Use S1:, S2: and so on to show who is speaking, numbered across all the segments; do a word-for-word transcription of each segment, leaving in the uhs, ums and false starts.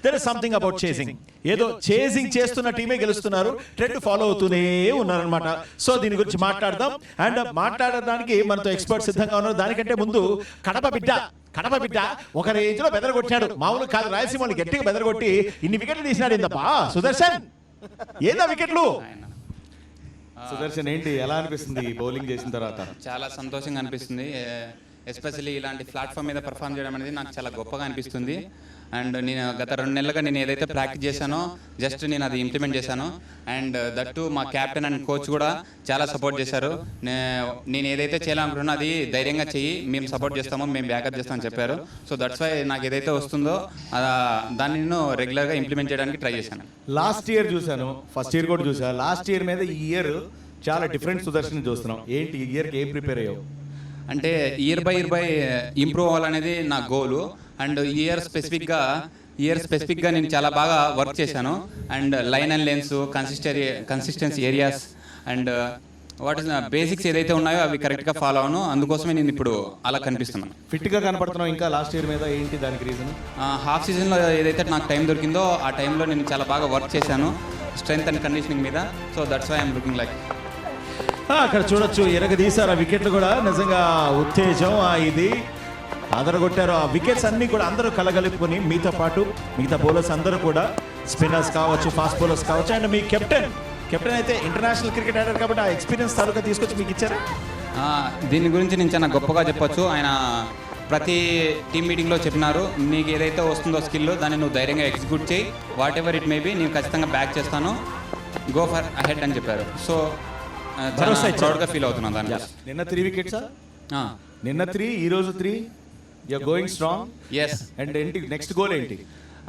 S1: There is something about chasing. ఏదో chasing చేస్తున్న టీమే గెలుస్తున్నారు, ట్రెండ్ ఫాలో అవుతూనే ఉన్నారనమాట. సో దీని గురించి మాట్లాడదాం. అండ్ మాట్లాడడానికి మనతో ఎక్స్పర్ట్ సిద్ధంగా ఉన్నారు. దానికంటే ముందు కడప బిడ్డ కడప బిడ్డ ఒక రేంజ్ లో బెదరగొట్టాడు. మామూలు కాదు, రాయలసీమని గట్టిగా బెదరగొట్టి ఇన్ని వికెట్లు తీసినాడు. ఇందప్పా సుదర్శన్, ఏందా వికెట్లు?
S2: సుదర్శన్ ఏంటి, ఎలా అనిపిస్తుంది బౌలింగ్ చేసిన తర్వాత?
S3: చాలా సంతోషంగా అనిపిస్తుంది. ఎస్పెషల్లీ ఇలాంటి ప్లాట్ఫామ్ మీద పర్ఫామ్ చేయడం అనేది నాకు చాలా గొప్పగా అనిపిస్తుంది. అండ్ నేను గత రెండు నెలలుగా నేను ఏదైతే ప్రాక్టీస్ చేశానో జస్ట్ నేను అది ఇంప్లిమెంట్ చేశాను. అండ్ దట్టు మా క్యాప్టెన్ అండ్ కోచ్ కూడా చాలా సపోర్ట్ చేశారు. నేను ఏదైతే చేయాలనుకుంటున్నా అది ధైర్యంగా చెయ్యి, మేము సపోర్ట్ చేస్తామో, మేము బ్యాకప్ చేస్తామని చెప్పారు. సో దట్స్ వై నాకు ఏదైతే వస్తుందో దాన్ని నేను రెగ్యులర్గా ఇంప్లిమెంట్ చేయడానికి ట్రై చేశాను.
S2: లాస్ట్ ఇయర్ చూశాను, ఫస్ట్ ఇయర్ కూడా చూసాను. లాస్ట్ ఇయర్ మీద ఈ ఇయర్ చాలా డిఫరెంట్ సుదర్శన్ చూస్తున్నాం. ఏంటి ఈ ఇయర్కి ఏం ప్రిపేర్ అయ్యావు?
S3: అంటే year by year by improve అవ్వాలనేది నా గోలు. అండ్ ఇయర్ స్పెసిఫిక్గా ఇయర్ స్పెసిఫిక్గా నేను చాలా బాగా వర్క్ చేశాను. And line and length, consistency consistency areas and what is basics ఏదైతే ఉన్నాయో అవి కరెక్ట్గా ఫాలో అవును. అందుకోసమే నేను ఇప్పుడు అలా కనిపిస్తున్నాను.
S2: ఫిట్గా కనపడుతున్నావు ఇంకా లాస్ట్ ఇయర్ మీద. ఏంటి దానికి రీజన్?
S3: హాఫ్ సీజన్లో ఏదైతే నాకు టైం దొరికిందో ఆ టైంలో నేను చాలా బాగా వర్క్ చేశాను స్ట్రెంగ్త్ అండ్ కండిషనింగ్ మీద. So that's why I'm looking like.
S1: అక్కడ చూడొచ్చు, ఎరగ తీశారు ఆ వికెట్లు కూడా. నిజంగా ఉత్తేజం ఇది అదరగొట్టారు. ఆ వికెట్స్ అన్ని కూడా అందరూ కలగలుపుకొని మీతో పాటు మిగతా బౌలర్స్ అందరూ కూడా, స్పిన్నర్స్ కావచ్చు, ఫాస్ట్ బౌలర్స్ కావచ్చు. అండ్ మీ కెప్టెన్ కెప్టెన్ అయితే ఇంటర్నేషనల్ క్రికెట్ ఆడారు కాబట్టి ఆ ఎక్స్పీరియన్స్ తాలూకా తీసుకొచ్చి మీకు ఇచ్చారా?
S3: దీని గురించి నేను చాలా గొప్పగా చెప్పొచ్చు. ఆయన ప్రతి టీమ్ మీటింగ్లో చెప్పినారు, నీకు ఏదైతే వస్తుందో స్కిల్ దాన్ని నువ్వు ధైర్యంగా ఎగ్జిక్యూట్ చేయి, whatever it may be, నేను ఖచ్చితంగా బ్యాక్ చేస్తాను, గో ఫర్ అహెడ్ అని చెప్పారు. సో ప్రౌడ్గా ఫీల్ అవుతున్నాను దాని.
S2: నిన్న త్రీ వికెట్స్, నిన్న త్రీ, ఈ రోజు three. You are going strong.
S3: yes.
S2: And ఏంటి నెక్స్ట్ గోల్ ఏంటి?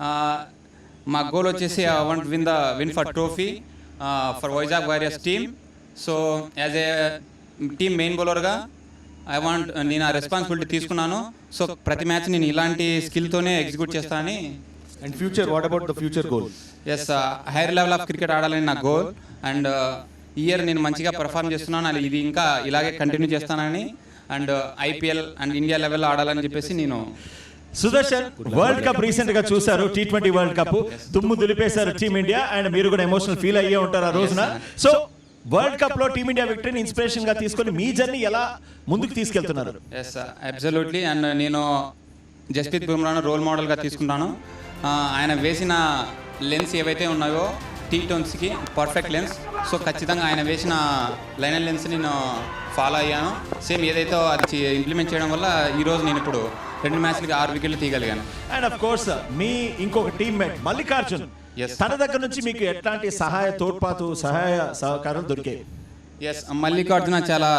S3: మా గోల్ వచ్చేసి I want win the win for trophy for Vizag warriors team. So as a team main బౌలర్గా ఐ వాంట్, నేను ఆ రెస్పాన్సిబిలిటీ తీసుకున్నాను. సో ప్రతి మ్యాచ్ నేను ఇలాంటి స్కిల్తోనే ఎగ్జిక్యూట్ చేస్తానని.
S2: And future, what about the future goal?
S3: Yes, higher level of cricket ఆడాలని నా గోల్. అండ్ ఇయర్ నేను మంచిగా పర్ఫామ్ చేస్తున్నాను, అది ఇది ఇంకా ఇలాగే కంటిన్యూ చేస్తానని. అండ్ ఐపీఎల్ అండ్ ఇండియా లెవెల్లో ఆడాలని చెప్పేసి నేను.
S1: సుదర్శన్, వరల్డ్ కప్ రీసెంట్ గా చూసారు, టీ ట్వంటీ వరల్డ్ కప్ దుమ్ము దులిపేశారు టీమిండియా. అండ్ మీరు కూడా ఎమోషనల్ ఫీల్ అయ్యే ఉంటారు ఆ రోజున. సో వరల్డ్ కప్ లో టీమిండియా విక్టరీని ఇన్స్పిరేషన్ గా తీసుకొని మీ జర్నీ ఎలా ముందుకు తీసుకెళ్తున్నారు?
S3: Yes, absolutely. అండ్ నేను జస్ప్రీత్ బుమ్రాను రోల్ మోడల్గా తీసుకుంటాను. ఆయన వేసిన లెన్స్ ఏవైతే ఉన్నాయో టీ ట్వంటీకి పర్ఫెక్ట్ లెన్స్. సో ఖచ్చితంగా ఆయన వేసిన లైన్ అండ్ లెన్స్ నేను ఫాలో అయ్యాను. సేమ్ ఏదైతే అది ఇంప్లిమెంట్ చేయడం వల్ల ఈరోజు నేను ఇప్పుడు రెండు మ్యాచ్లకి ఆరు వికెట్లు తీయగలిగాను.
S1: అండ్ ఆఫ్ కోర్స్ మీ ఇంకొక టీమ్మేట్ మల్లికార్జున్, తన దగ్గర నుంచి మీకు ఎట్లాంటి సహాయ తోడ్పాటు, సహాయ సహకారం దొరికాయి?
S3: ఎస్, మల్లికార్జున చాలా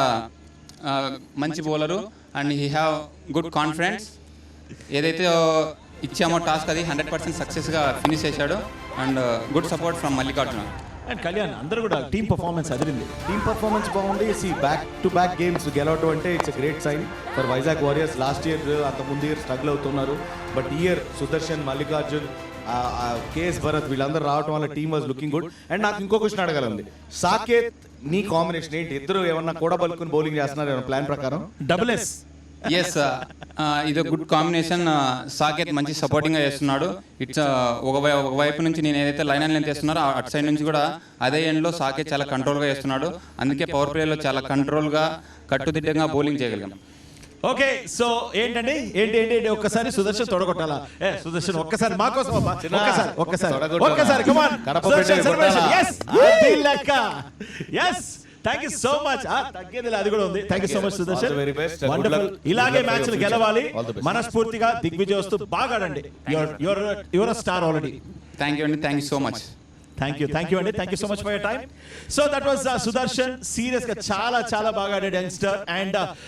S3: మంచి bowler and he have good confidence. ఏదైతే ఇచ్చామో టాస్క్ అది హండ్రెడ్ పర్సెంట్ సక్సెస్గా ఫినిష్ చేశాడు. And good support from Mallikarjuna.
S1: And Kalyan, అందరూ కూడా టీమ్ పర్ఫార్మెన్స్ అదిరింది.
S2: టీమ్ పర్ఫార్మెన్స్ బాగుంది. See back to back games గెలవటం అంటే it's great sign for Vizag warriors. Last year అంత ముందు ఇయర్ స్ట్రగుల్ అవుతున్నారు, బట్ ఈ ఇయర్ సుదర్శన్, మల్లికార్జున్, కేఎస్ భరత్ వీళ్ళందరూ రావడం వల్ల team was looking good. And నాకు ఇంకో క్వశ్చన్ అడగాలండి, సాకేత్ నీ కాంబినేషన్ ఏంటి? ఇద్దరు ఏమన్నా కూడా బలుకుని బౌలింగ్ చేస్తున్నారు ఏమన్నా ప్లాన్ ప్రకారం?
S1: Double S.
S3: ఎస్, ఇది గుడ్ కాంబినేషన్. సాకేత్ మంచి సపోర్టింగ్గా చేస్తున్నాడు. ఇట్స్ ఒక ఒకవైపు నుంచి నేను ఏదైతే లైన్ అండ్ లెంత్ చేస్తున్నారో అటు సైడ్ నుంచి కూడా అదే ఎండ్లో సాకేత్ చాలా కంట్రోల్గా చేస్తున్నాడు. అందుకే పవర్ ప్లేలో చాలా కంట్రోల్గా కట్టుదిట్టంగా బౌలింగ్ చేయగలిగాం.
S1: ఓకే, సో ఏంటండి ఏంటి ఏంటి ఏంటి ఒక్కసారి సుదర్శన్ తొడగొట్టాలా? ఏ సుదర్శన్ ఒక్కసారి మా కోసం అమ్మా, ఒక్కసారి ఒక్కసారి ఒక్కసారి come on Sudarshan celebration. yes అది లెక్క. yes, thank you so much. తగ్గేది అది కూడా ఉంది. Thank you so much Sudarshan, wonderful. ఇలాగే మ్యాచ్లు గెలవాలి, మనస్ఫూర్తిగా దిగ్విజయ్ వస్తూ బాగా ఆడండి. Your your your star already.
S3: Thank you అండి, thank you so much.
S1: Thank you thank you అండి, thank you so much for your time. So that was Sudarshan. Serious గా చాలా చాలా బాగా ఆడాడు యంగ్స్టర్. అండ్